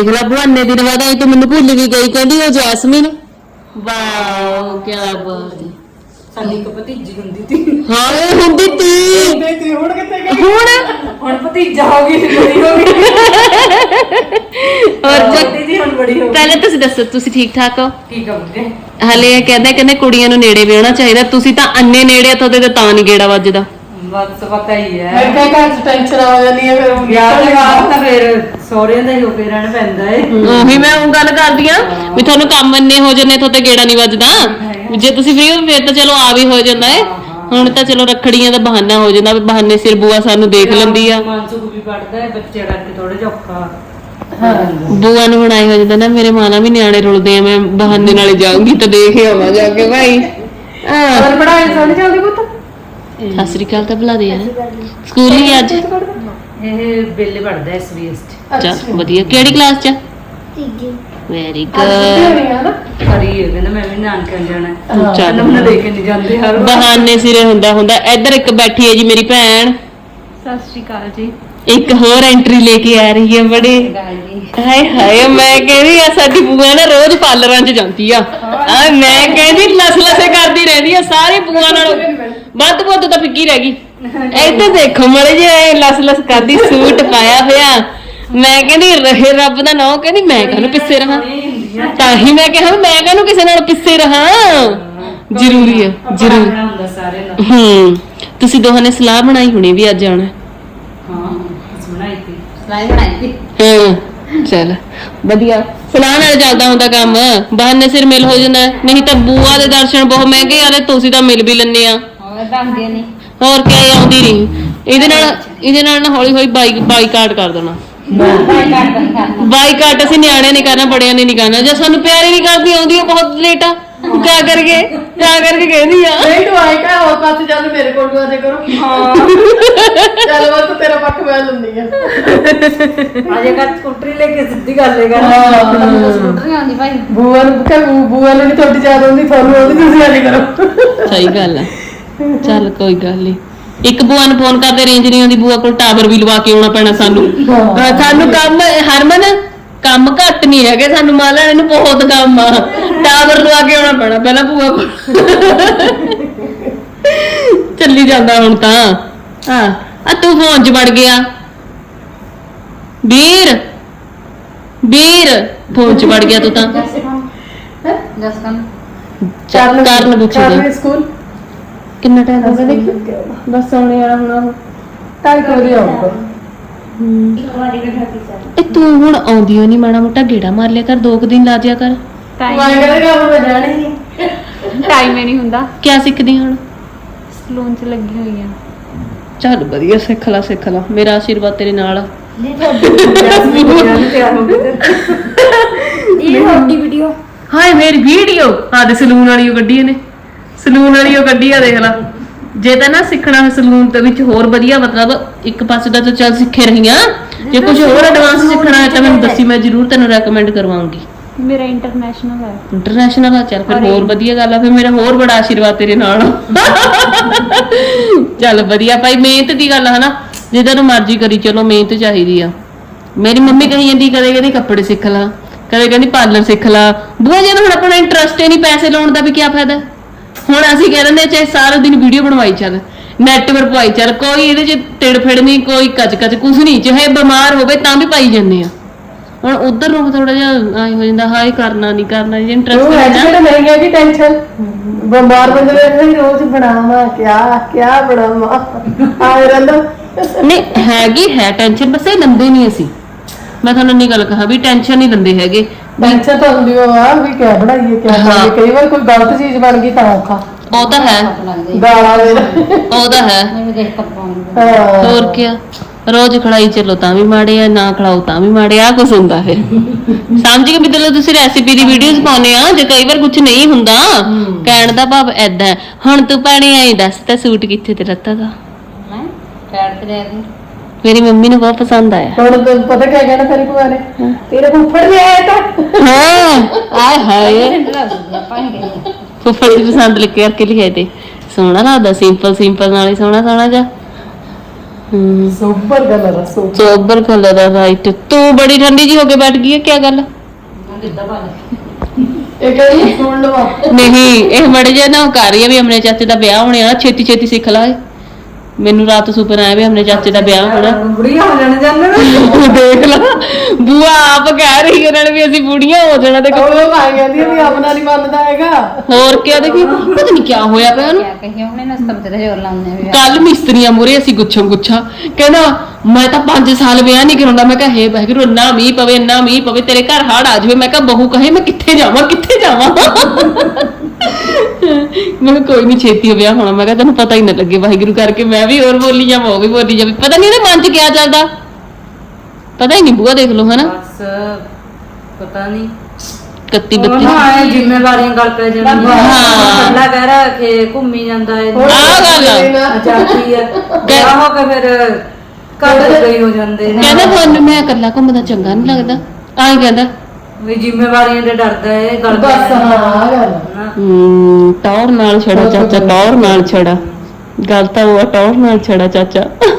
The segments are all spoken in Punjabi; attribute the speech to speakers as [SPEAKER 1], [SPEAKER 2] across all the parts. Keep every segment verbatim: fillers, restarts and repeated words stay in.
[SPEAKER 1] ਦੇਖ ਲਾ ਬਹਾਨੇ ਦਿਨ ਬਾਅਦ ਆਈ ਤੂੰ ਮੈਨੂੰ ਭੁੱਲ ਵੀ ਗਈ ਕਹਿੰਦੀ ਉਹ ਜੈਸਮੀਨ ਵਾਓ ਕੀ ਬਾਤ ਹੈ
[SPEAKER 2] ਸਾਡੀ ਇੱਕ ਭਤੀਜੀ ਹੁੰਦੀ ਸੀ
[SPEAKER 1] ਹਾਂ ਇਹ ਹੁੰਦੀ ਤੀ
[SPEAKER 2] ਹੁਣ ਕਿੱਥੇ ਗਈ
[SPEAKER 1] ਹੁਣ
[SPEAKER 2] ਹੁਣ ਭਤੀਜਾ ਹੋ ਗਈ ਬੜੀ ਹੋ ਗਈ
[SPEAKER 1] ਔਰ
[SPEAKER 2] ਦੀਦੀ ਹੁਣ ਬੜੀ ਹੋ ਗਈ
[SPEAKER 1] ਪਹਿਲੇ ਤੁਸੀਂ ਦੱਸੋ ਤੁਸੀਂ ਠੀਕ ਠਾਕ ਹੋ
[SPEAKER 2] ਠੀਕ ਆ ਬੁੱਢੇ
[SPEAKER 1] ਹਲੇ ਕਹਿੰਦੇ ਕਹਿੰਦੇ ਕੁੜੀਆਂ ਨੂੰ ਨੇੜੇ ਵਿਆਹਣਾ ਚਾਹੀਦਾ ਤੁਸੀਂ ਤਾਂ ਅੰਨੇ ਨੇੜੇ ਤੁਹਾਡੇ ਤੇ ਤਾਂ ਨਹੀਂ ਗੇੜਾ ਵੱਜਦਾ
[SPEAKER 2] ਬਸ ਪਤਾ ਹੀ ਹੈ
[SPEAKER 3] ਮੈਂ ਕਿਹਾ ਘਰ ਚ ਟੈਨਸ਼ਨ ਆ ਜਾਂਦੀ ਹੈ ਫਿਰ
[SPEAKER 2] ਵਿਆਹ ਦੇ ਬਾਅਦ ਤਾਂ ਫਿਰ ਸਹੁਰਿਆਂ ਦਾ ਹੀ ਹੋ ਕੇ ਰਹਿਣਾ ਪੈਂਦਾ ਏ
[SPEAKER 1] ਉਹੀ ਮੈਂ ਉਹ ਗੱਲ ਕਰਦੀ ਆ ਵੀ ਤੁਹਾਨੂੰ ਕੰਮ ਅੰਨੇ ਹੋ ਜੰਨੇ ਤੁਹਾਡੇ ਗੇੜਾ ਨਹੀਂ ਵੱਜਦਾ ਜੇ ਤੁਸੀਂ ਫ੍ਰੀ ਹੋ ਫਿਰ ਤਾਂ ਚਲੋ ਆ ਵੀ ਹੋ ਜਾਂਦਾ ਏ ਹੁਣ ਤਾਂ ਚਲੋ ਰੱਖੜੀਆਂ ਦਾ ਬਹਾਨਾ ਹੋ ਜਾਂਦਾ ਵੀ ਬਹਾਨੇ ਸਿਰ ਬੂਆ ਸਾਨੂੰ ਦੇਖ ਲੈਂਦੀ ਆ
[SPEAKER 2] ਮਾਨਸੂਖ ਵੀ ਪੜਦਾ ਹੈ ਬੱਚੇ ਕਰਕੇ ਥੋੜਾ ਜਿਹਾ ਔਖਾ
[SPEAKER 1] ਬੂਆ ਨੂੰ ਬਣਾਈ ਹੋ ਜਾਂਦਾ ਨਾ ਮੇਰੇ ਮਾਲਾ ਵੀ ਨਿਆਣੇ ਰੁਲਦੇ ਆ ਮੈਂ ਬਹਾਨੇ ਨਾਲੇ ਜਾਊਂਗੀ ਤਾਂ ਦੇਖ ਆਵਾਂ ਜਾ ਕੇ ਭਾਈ
[SPEAKER 3] ਹੋਰ ਪੜਾਈ ਸੋਣੀ ਚੱਲਦੀ ਪੁੱਤ
[SPEAKER 1] ਸਤਿ ਸ੍ਰੀ ਅਕਾਲ ਤਾਂ ਬੁਲਾ ਦੇ ਯਾਰ ਸਕੂਲ ਹੀ ਅੱਜ
[SPEAKER 2] ਇਹ ਬੇਲੇ ਪੜਦਾ ਐਸ ਬੀ ਐਸ ਚ
[SPEAKER 1] ਚੱਲ ਵਧੀਆ ਕਿਹੜੀ ਕਲਾਸ ਚ ਤੀਜੀ ਵੈਰੀ ਗੁੱਡ
[SPEAKER 2] ਕਰੀ ਹੈ ਕਹਿੰਦਾ ਮੈਂ ਵੀ ਨਾਨਕਿਆਂ ਜਾਣਾ
[SPEAKER 1] ਚੱਲ
[SPEAKER 2] ਮੈਨੂੰ ਲੈ ਕੇ ਨਹੀਂ ਜਾਂਦੇ ਹਰ ਵਾਰ
[SPEAKER 1] ਬਹਾਨੇ ਸਿਰੇ ਹੁੰਦਾ ਹੁੰਦਾ ਇੱਧਰ ਇੱਕ ਬੈਠੀ ਹੈ ਜੀ ਮੇਰੀ ਭੈਣ
[SPEAKER 4] ਸਤਿ ਸ਼੍ਰੀ ਅਕਾਲ ਜੀ
[SPEAKER 1] ਇੱਕ ਹੋਰ ਐਂਟਰੀ ਲੈ ਕੇ ਆ ਰਹੀ ਹੈ ਬੜੇ ਹਾਏ ਹਾਏ ਮੈਂ ਕਹਿੰਦੀ ਆ ਸਾਡੀ ਬੂਆ ਨਾ ਰੋਜ਼ ਪਾਰਲਰਾਂ 'ਚ ਜਾਂਦੀ ਆ ਆ ਮੈਂ ਕਹਿੰਦੀ ਲਸ ਲਸੇ ਕਰਦੀ ਰਹਿੰਦੀ ਆ ਸਾਰੀ ਬੂਆ ਨਾਲ ਵੱਧ ਵੱਧ ਤਾਂ ਫਿੱਕੀ ਰਹਿ ਗਈ ਇੱਥੇ ਦੇਖੋ ਮੜੇ ਜੇ ਲਸ ਲਸ ਕਰਦੀ ਸੂਟ ਪਾਇਆ ਹੋਇਆ ਮੈਂ ਕਹਿੰਦੀ ਰਹੇ ਰੱਬ ਦਾ ਨਾਮ ਕਹਿੰਦੀ ਮੈਂ ਕਾਹਨੂੰ ਪਿੱਛੇ ਰਹਾ ਤਾਂ ਹੀ ਮੈਂ ਕਿਹਾ ਮੈਂ ਕਾਹਨੂੰ ਕਿਸੇ ਨਾਲ ਪਿੱਛੇ ਰਹਾ ਜ਼ਰੂਰੀ ਹੈ ਜ਼ਰੂਰ
[SPEAKER 2] ਹੁੰਦਾ ਸਾਰੇ ਨਾਲ
[SPEAKER 1] ਹੂੰ ਤੁਸੀਂ ਦੋਹਾਂ ਨੇ ਸਲਾਹ ਬਣਾਈ ਹੋਣੀ ਵੀ ਅੱਜ ਆਉਣਾ
[SPEAKER 2] ਹਾਂ ਬਣਾਈ ਸੀ ਸਲਾਈ ਬਣਾਈ ਸੀ
[SPEAKER 1] ਹਾਂ ਚਲ ਵਧੀਆ ਸਲਾਹ ਨਾਲ ਚੱਲਦਾ ਹੁੰਦਾ ਕੰਮ ਬਹਾਨੇ ਸਿਰ ਮਿਲ ਹੋ ਜਾਂਦਾ ਨਹੀਂ ਤਾਂ ਬੂਆ ਦੇ ਦਰਸ਼ਨ ਬਹੁਤ ਮਹਿੰਗੇ ਆ ਤੇ ਤੁਸੀਂ ਤਾਂ ਮਿਲ ਵੀ ਲੈਣੇ ਆ
[SPEAKER 2] ਦੰਦੇ ਨਹੀਂ
[SPEAKER 1] ਹੋਰ ਕੀ ਆਉਂਦੀ ਨਹੀਂ ਇਹਦੇ ਨਾਲ ਇਹਦੇ ਨਾਲ ਨਾ ਹੌਲੀ ਹੌਲੀ ਬਾਈਕ ਬਾਈਕਾਟ ਕਰ ਦੇਣਾ ਬਾਈਕਾਟ ਅਸੀਂ ਨਿਆਣਿਆਂ ਨੇ ਕਰਨਾ ਬੜਿਆਂ ਨੇ ਨਹੀਂ ਕਰਨਾ ਜੇ ਸਾਨੂੰ ਪਿਆਰੀ ਨਹੀਂ ਕਰਦੀ ਆਉਂਦੀ ਉਹ ਬਹੁਤ ਲੇਟ ਆ ਕਿਆ ਕਰਕੇ ਕਿਆ ਕਰਕੇ ਕਹਿੰਦੀ ਆ
[SPEAKER 3] ਨਹੀਂ ਤੂੰ ਆਈ ਕਾ ਹੋਰ ਪਾਸੇ ਚੱਲ ਮੇਰੇ ਕੋਲ ਨੂੰ ਆ ਜਾ ਕਰੋ ਹਾਂ ਚੱਲ ਵਾ ਤੂੰ ਤੇਰਾ ਪੱਖ ਮੈਂ ਲੰਦੀ ਆ
[SPEAKER 2] ਅਜੇ ਕੱਟ ਸਕੂਟਰੀ ਲੈ ਕੇ ਸਿੱਧੀ ਗੱਲ ਲੈ ਕਰ ਸਕੂਟਰੀ ਆਉਂਦੀ ਭਾਈ
[SPEAKER 3] ਬੂਆ ਨੂੰ ਕਹ ਬੂਆ ਨੂੰ ਨਹੀਂ ਤੁਹਾਡੀ ਜ਼ਿਆਦਾ ਹੁੰਦੀ ਤੁਹਾਨੂੰ ਉਹਦੀ ਤੁਸੀਂ ਆਲੀ ਕਰੋ
[SPEAKER 1] ਸਹੀ ਗੱਲ ਆ ਚੱਲ ਕੋਈ ਗੱਲ ਨਹੀਂ ਇੱਕ ਬੂਆ ਨੂੰ ਫੋਨ ਕਰਦੇ ਰੇਂਜ ਨਹੀਂ ਆਉਂਦੀ ਬੂਆ ਕੋਲ ਟਾਵਰ ਵੀ ਲਵਾ ਕੇ ਆਉਣਾ ਪੈਣਾ ਸਾਨੂੰ ਸਾਨੂੰ ਕੰਮ ਹਰਮਨ ਕੰਮ ਘੱਟ ਨਹੀਂ ਹੈਗੇ ਸਾਨੂੰ ਮਾਲਾ ਇਹਨੂੰ ਬਹੁਤ ਕੰਮ ਆ ਟਾਵਰ ਲਵਾ ਕੇ ਆਉਣਾ ਪੈਣਾ ਪਹਿਲਾਂ ਬੂਆ ਕੋਲ ਚੱਲੀ ਜਾਂਦਾ ਹੁਣ ਤਾਂ ਹਾਂ ਆ ਤੂੰ ਫੋਨ 'ਚ ਵੜ ਗਿਆ ਵੀਰ ਵੀਰ ਫੋਨ 'ਚ ਵੜ ਗਿਆ ਤੂੰ ਤਾਂ
[SPEAKER 2] ਜਸ ਕੰਮ
[SPEAKER 1] ਕਰਨ ਪੁੱਛਦੇ
[SPEAKER 3] ਸਕੂਲ
[SPEAKER 1] ਕਿੰਨਾ ਟਾਈਮ ਹੋ ਗਿਆ ਦੇਖੀ
[SPEAKER 3] ਬਸ ਆਉਣੇ ਵਾਲਾ ਹੁਣ ਟਾਈ ਕੋਈ ਆਉਂਗਾ
[SPEAKER 1] ਇਹ ਤੂੰ ਹੁਣ ਆਉਂਦੀ ਹੋ ਨਹੀਂ ਮਾੜਾ ਮੋਟਾ ਗੇੜਾ ਮਾਰ ਲਿਆ ਕਰ ਦੋ ਕੁ ਦਿਨ ਲਾ ਜਿਆ ਕਰ
[SPEAKER 4] ਟਾਈਮ
[SPEAKER 3] ਮੈਂ ਕਹਿੰਦਾ ਮੈਂ ਜਾਣੀ ਨਹੀਂ
[SPEAKER 4] ਟਾਈਮ ਹੀ ਨਹੀਂ ਹੁੰਦਾ
[SPEAKER 1] ਕਿਆ ਸਿੱਖਦੀ ਹੁਣ
[SPEAKER 4] ਸਲੂਨ 'ਚ ਲੱਗੀ ਹੋਈ ਆ
[SPEAKER 1] ਚੱਲ ਵਧੀਆ ਸਿੱਖ ਲਾ ਸਿੱਖ ਲਾ ਮੇਰਾ ਆਸ਼ੀਰਵਾਦ ਤੇਰੇ ਨਾਲ ਆ
[SPEAKER 2] ਤਿਆਰ ਹੋ ਗਏ
[SPEAKER 4] ਇਹ ਵੱਡੀ ਵੀਡੀਓ
[SPEAKER 1] ਹਾਏ ਮੇਰੀ ਵੀਡੀਓ ਆ ਦੇ ਸਲੂਨ ਵਾਲੀ ਉਹ ਗੱਡੀ ਨੇ ਸਲੂਨ ਵਾਲੀ ਉਹ ਗੱਡੀ ਆ ਦੇਖ ਲਾ ਜੇ ਤਾਂ ਨਾ ਸਿੱਖਣਾ ਸਲੂਨ ਦੇ ਵਿੱਚ ਹੋਰ ਵਧੀਆ ਮਤਲਬ ਇੱਕ ਪਾਸੇ ਦਾ ਤਾਂ ਚੱਲ ਸਿੱਖੇ ਰਹੀਆਂ ਜੇ ਕੁਝ ਹੋਰ ਐਡਵਾਂਸ ਸਿੱਖਣਾ ਹੈ ਤਾਂ ਮੈਨੂੰ ਦੱਸੀ ਮੈਂ ਜ਼ਰੂਰ ਤੈਨੂੰ ਰეკਮੈਂਡ ਕਰਵਾਉਂਗੀ
[SPEAKER 4] ਮੇਰਾ ਇੰਟਰਨੈਸ਼ਨਲ ਹੈ
[SPEAKER 1] ਇੰਟਰਨੈਸ਼ਨਲ ਆ ਚੱਲ ਫਿਰ ਹੋਰ ਵਧੀਆ ਗੱਲ ਆ ਫਿਰ ਮੇਰਾ ਹੋਰ ਬੜਾ ਆਸ਼ੀਰਵਾਦ ਤੇਰੇ ਨਾਲ ਚੱਲ ਵਧੀਆ ਭਾਈ ਮਿਹਨਤ ਦੀ ਗੱਲ ਹੈ ਨਾ ਜਿੱਦਾਂ ਨੂੰ ਮਰਜ਼ੀ ਕਰੀ ਚਲੋ ਮਿਹਨਤ ਚਾਹੀਦੀ ਆ ਮੇਰੀ ਮੰਮੀ ਕਹੀ ਜਾਂਦੀ ਕਦੇ ਕਹਿੰਦੀ ਕੱਪੜੇ ਸਿੱਖ ਲਾ ਕਦੇ ਕਹਿੰਦੀ ਪਾਰਲਰ ਸਿੱਖ ਲਾ ਬੂਆ ਜੇ ਹੁਣ ਆਪਣਾ ਇੰਟਰਸਟ ਹੀ ਨਹੀਂ ਪੈਸੇ ਲਾਉਣ ਦਾ ਵੀ ਕੀ ਫਾਇਦਾ ਹੁਣ ਅਸੀਂ ਕਹਿ ਦਿੰਦੇ ਚਾਹੇ ਸਾਰਾ ਦਿਨ ਵੀਡੀਓ ਬਣਵਾਈ ਚੱਲ ਨੈਟ ਪਰ ਪਵਾਈ ਚੱਲ ਕੋਈ ਇਹਦੇ ਚ ਤਿੜ ਫਿੜ ਨਹੀਂ ਕੋਈ ਕੱਚ ਕੱਚ ਕੁਝ ਨਹੀਂ ਚਾਹੇ ਬਿਮਾਰ ਹੋਵੇ ਤਾਂ ਵੀ ਪਾਈ ਜਾਂਦੇ ਆ ਹੁਣ ਉਧਰ ਨੂੰ ਥੋੜਾ ਜਿਹਾ ਆਈ ਹੋ ਜਾਂਦਾ ਹਾਏ ਕਰਨਾ ਨਹੀਂ ਕਰਨਾ ਜੇ ਇੰਟਰਸਟ ਹੈ ਨਾ
[SPEAKER 3] ਜਿਹੜਾ ਨਹੀਂ ਹੈ ਕਿ ਟੈਨਸ਼ਨ ਬਿਮਾਰ ਬੰਦੇ ਨੇ ਰੋਜ਼ ਬਣਾਵਾ ਕਿਆ ਕਿਆ ਬਣਾਵਾ ਆਏ ਰਹਿੰਦਾ
[SPEAKER 1] ਨਹੀਂ ਹੈਗੀ ਹੈ ਟੈਨਸ਼ਨ ਬਸ ਇਹ ਲੰਦੇ ਨਹੀਂ ਅਸੀਂ ਮੈਂ ਤੁਹਾਨੂੰ ਨਹੀਂ ਗੱਲ ਕਹਾ ਵੀ ਟੈਨਸ਼ਨ ਨਹੀਂ ਲੰਦੇ ਹੈਗੇ
[SPEAKER 3] ਟੈਨਸ਼ਨ ਤਾਂ ਹੁੰਦੀ ਆ ਵੀ ਕਿਆ ਬਣਾਈਏ ਕਿਆ ਬਣਾਈਏ ਕਈ ਵਾਰ ਕੋਈ ਗਲਤ ਚੀਜ਼ ਬਣ ਗਈ ਤਾਂ ਔਖਾ
[SPEAKER 1] ਉਹ ਤਾਂ ਹੈ
[SPEAKER 3] ਗਾਲਾਂ ਦੇ
[SPEAKER 1] ਉਹ ਤਾਂ ਹੈ ਹੋਰ ਕੀ ਰੋਜ਼ ਖੜਾਈ ਚੱਲੋ ਤਾਂ ਵੀ ਮਾੜੇ ਆ ਨਾ ਖੜਾਓ ਤਾਂ ਵੀ ਮਾੜੇ ਆ ਕੁਝ ਹੁੰਦਾ ਫਿਰ ਸਮਝ ਕੇ ਮਤਲਬ ਤੁਸੀਂ ਰੈਸਿਪੀ ਦੀ ਵੀਡੀਓਜ਼ ਪਾਉਨੇ ਆ ਜੇ ਕਈ ਵਾਰ ਕੁਝ ਨਹੀਂ ਹੁੰਦਾ ਕਹਿਣ ਦਾ ਭਾਵ ਐਦਾਂ ਹੁਣ ਤੂੰ ਪਾਣੀ ਆਈ ਦੱਸ ਤਾਂ ਸੂਟ ਕਿੱਥੇ ਤੇ ਰੱਤਾ ਦਾ
[SPEAKER 2] ਮੈਂ ਪੈਰ ਤੇ ਲੈ ਦੀ
[SPEAKER 1] ਮੇਰੀ ਮੰਮੀ ਨੂੰ ਬਹੁਤ ਪਸੰਦ ਆਇਆ
[SPEAKER 3] ਹੁਣ ਤੈਨੂੰ ਪਤਾ ਕਿਆ ਕਹਿਣਾ ਤੇਰੀ ਭੂਆ ਨੇ ਤੇਰੇ ਫੁੱਫੜ ਵੀ ਆਇਆ ਤਾਂ
[SPEAKER 1] ਹਾਂ ਆਏ ਹਾਏ ਫੁੱਫੜ ਦੀ ਪਸੰਦ ਲਿਖ ਕੇ ਕਰਕੇ ਲਿਖਾਏ ਤੇ ਸੋਹਣਾ ਲੱਗਦਾ ਸਿੰਪਲ ਸਿੰਪਲ ਨਾਲੇ ਸੋਹਣਾ ਸੋਹਣਾ ਜਾ ਹੂੰ
[SPEAKER 3] ਸੁਪਰ ਕਲਰ ਆ ਸੁਪਰ
[SPEAKER 1] ਸੋਬਰ ਕਲਰ ਦਾ ਰਾਈਟ ਤੂੰ ਬੜੀ ਠੰਡੀ ਜੀ ਹੋ ਕੇ ਬੈਠ ਗਈ ਹੈ ਕੀ ਗੱਲ
[SPEAKER 2] ਕਿੱਦਾਂ ਪਾ
[SPEAKER 3] ਇਹ ਕਹਿੰਦੀ ਸੁਣ ਲਵਾ
[SPEAKER 1] ਨਹੀਂ ਇਹ ਮੜ ਜਾ ਨਾ ਉਹ ਕਰ ਰਹੀ ਹੈ ਵੀ ਆਪਣੇ ਚਾਚੇ ਦਾ ਵਿਆਹ ਹੋਣੇ ਵਾਲਾ ਛੇਤੀ ਛੇਤੀ ਸਿੱਖ ਲਾ ਇਹ। ਮੈਨੂੰ ਰਾਤ ਸੁਪਨਾ ਆਇਆ ਵੀ ਆਪਣੇ ਚਾਚੇ ਦਾ ਵਿਆਹ ਹੋਣਾ
[SPEAKER 2] ਬੁੜੀਆਂ ਹੋ ਜਾਣ ਜਾਂਦੇ
[SPEAKER 1] ਦੇਖ ਲਾ ਬੂਆ ਆਪ ਕਹਿ ਰਹੀ ਉਹਨਾਂ ਨੇ ਵੀ ਅਸੀਂ ਬੁੜੀਆਂ ਹੋ ਜਾਣਾ ਤੇ
[SPEAKER 3] ਉਹ ਆ ਜਾਂਦੀ ਆ ਵੀ ਆਪਣਾ ਨਹੀਂ ਮੰਨਦਾ ਹੈਗਾ
[SPEAKER 1] ਹੋਰ ਕਿਆ ਦੇਖੀ ਪਤਾ ਨਹੀਂ ਕੀ ਹੋਇਆ ਪਿਆ ਉਹਨੂੰ
[SPEAKER 2] ਕਿਆ ਕਹੀਏ ਉਹਨੇ ਨਾ ਸਭ ਤੇ ਜ਼ੋਰ ਲਾਉਂਦੇ ਆ ਵੀ
[SPEAKER 1] ਕੱਲ ਮਿਸਤਰੀਆਂ ਮੂਰੇ ਅਸੀਂ ਗੁੱਛਮ ਗੁੱਛਾ ਕਹਿੰਦਾ ਮੈਂ ਤਾਂ ਪੰਜ ਸਾਲ ਵਿਆਹ ਨਹੀਂ ਕਰਾਉਂਦਾ ਮੈਂ ਕਿਹਾ ਹੇ ਵਾਹਿਗੁਰੂ ਇੰਨਾ ਮੀਂਹ ਪਵੇ ਇੰਨਾ ਮੀਂਹ ਪਵੇ ਤੇਰੇ ਘਰ ਹੜ ਆ ਜਾਵੇ ਮੈਂ ਕਿਹਾ ਬਹੂ ਕਹੇ ਮੈਂ ਕਿੱਥੇ ਜਾਵਾਂ ਕਿੱਥੇ ਜਾਵਾਂ ਮੈਂ ਕਿਹਾ ਕੋਈ ਨਹੀਂ ਛੇਤੀ ਹੋ ਵਿਆਹ ਹੋਣਾ ਮੈਂ ਕਿਹਾ ਤੈਨੂੰ ਪਤਾ ਹੀ ਨਾ ਲੱਗੇ ਵਾਹਿਗੁਰੂ ਕਰਕੇ ਮੈਂ ਵੀ ਹੋਰ ਬੋਲੀ ਜਾਵਾਂ ਉਹ ਵੀ ਬੋਲੀ ਜਾਵੇ ਪਤਾ ਨਹੀਂ ਇਹਦੇ ਮਨ 'ਚ ਕਿਆ ਚੱਲਦਾ ਪਤਾ ਹੀ ਨਹੀਂ ਬੂਆ ਦੇਖ ਲਓ ਹਨਾ
[SPEAKER 2] ਬਸ ਪਤਾ ਨਹੀਂ
[SPEAKER 1] ਕੱਤੀ
[SPEAKER 2] ਉਹ
[SPEAKER 1] ਬੱਤੀ
[SPEAKER 2] ਨਾ ਆਏ ਜ਼ਿੰਮੇਵਾਰੀਆਂ ਗੱਲ ਪੈ ਜਾਂਦੀਆਂ
[SPEAKER 1] ਹਾਂ।
[SPEAKER 2] ਅੱਲਾ ਕਹਿ ਰਿਹਾ ਕਿ ਘੁੰਮੀ ਜਾਂਦਾ ਹੈ
[SPEAKER 1] ਆਹ ਗੱਲ ਆ।
[SPEAKER 2] ਆਜ਼ਾਦੀ ਹੈ ਵਿਆਹ ਹੋ ਕੇ ਫਿਰ ਘਰ ਦੇ ਗਈ ਹੋ ਜਾਂਦੇ ਨੇ
[SPEAKER 1] ਕਹਿੰਦਾ ਤੁਹਾਨੂੰ ਮੈਂ ਇਕੱਲਾ ਘੁੰਮਦਾ ਚੰਗਾ ਨਹੀਂ ਲੱਗਦਾ ਆਹ ਕਹਿੰਦਾ
[SPEAKER 2] ਵੀ ਜ਼ਿੰਮੇਵਾਰੀਆਂ ਦੇ ਡਰਦਾ ਹੈ ਗੱਲ ਪੈ
[SPEAKER 3] ਬਸ ਹਾਂ ਆ ਗੱਲ
[SPEAKER 2] ਨਾ।
[SPEAKER 1] ਹੂੰ ਟੌਰ ਨਾਲ ਛੜਾ ਚਾਚਾ ਟੌਰ ਨਾਲ ਛੜਾ ਗੱਲ ਤਾਂ ਉਹ ਆ, ਟੌਰ ਨਾਲ ਛੜਾ ਚਾਚਾ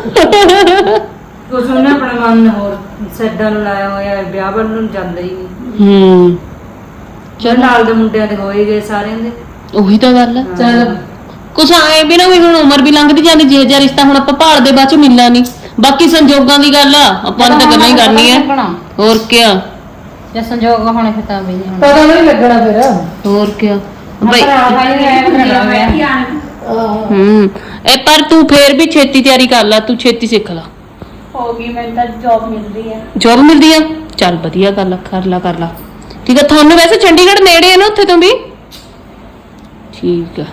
[SPEAKER 2] ਕੁਛ ਉਹਨੇ ਆਪਣੇ ਮਨ ਨੂੰ ਹੋਰ ਸੈਡਾਂ ਨੂੰ ਲਾਇਆ ਹੋਇਆ ਹੈ, ਵਿਆਹ ਵੱਲ ਨੂੰ ਜਾਂਦਾ ਹੀ ਨਹੀਂ
[SPEAKER 1] ਹੂੰ
[SPEAKER 2] ਚਲ ਨਾਲ ਦੇ ਮੁੰਡਿਆਂ ਦੇ ਹੋਏ ਗਏ ਸਾਰਿਆਂ ਦੇ
[SPEAKER 1] ਉਹੀ ਤਾਂ ਗੱਲ ਆ
[SPEAKER 3] ਚੱਲ
[SPEAKER 1] ਕੁਛ ਆਏ ਵੀ ਨਾ ਵੀ ਹੁਣ ਉਮਰ ਵੀ ਲੰਘਦੀ ਜਾਂਦੀ ਜਿਹੇ ਜਿਹਾ ਰਿਸ਼ਤਾ ਹੁਣ ਆਪਾਂ ਭਾਲਦੇ ਬਾਅਦ ਚ ਮਿਲਣਾ ਨਹੀਂ ਬਾਕੀ ਸੰਜੋਗਾਂ ਦੀ ਗੱਲ ਆ ਆਪਾਂ ਨੇ ਤਾਂ ਗੱਲਾਂ ਹੀ ਕਰਨੀ ਹੈ ਹੋਰ ਕਿਆ
[SPEAKER 2] ਜੇ ਸੰਜੋਗ ਹੋਣੇ ਫਿਰ ਤਾਂ ਵੀ ਨਹੀਂ ਹੋਣਾ
[SPEAKER 3] ਪਤਾ ਨਹੀਂ ਲੱਗਣਾ ਫਿਰ
[SPEAKER 1] ਹੋਰ ਕਿਆ ਬਈ
[SPEAKER 3] ਆਹ
[SPEAKER 1] ਹੂੰ ਇਹ ਪਰ ਤੂੰ ਫੇਰ ਵੀ ਛੇਤੀ ਤਿਆਰੀ ਕਰ ਲੈ ਤੂੰ ਛੇਤੀ ਸਿੱਖ ਲੈ
[SPEAKER 4] ਹੋ ਗਈ ਮੈਨੂੰ ਤਾਂ ਜੌਬ ਮਿਲ ਰਹੀ ਹੈ
[SPEAKER 1] ਜੋਬ ਮਿਲਦੀ ਆ ਚੱਲ ਵਧੀਆ ਗੱਲ ਆ, ਕਰ ਲਾ ਕਰ ਲਾ ਠੀਕ ਆ ਤੁਹਾਨੂੰ ਵੈਸੇ ਚੰਡੀਗੜ੍ਹ ਨੇੜੇ ਆ ਨਾ ਉੱਥੇ ਤੋਂ ਵੀ ਠੀਕ ਆ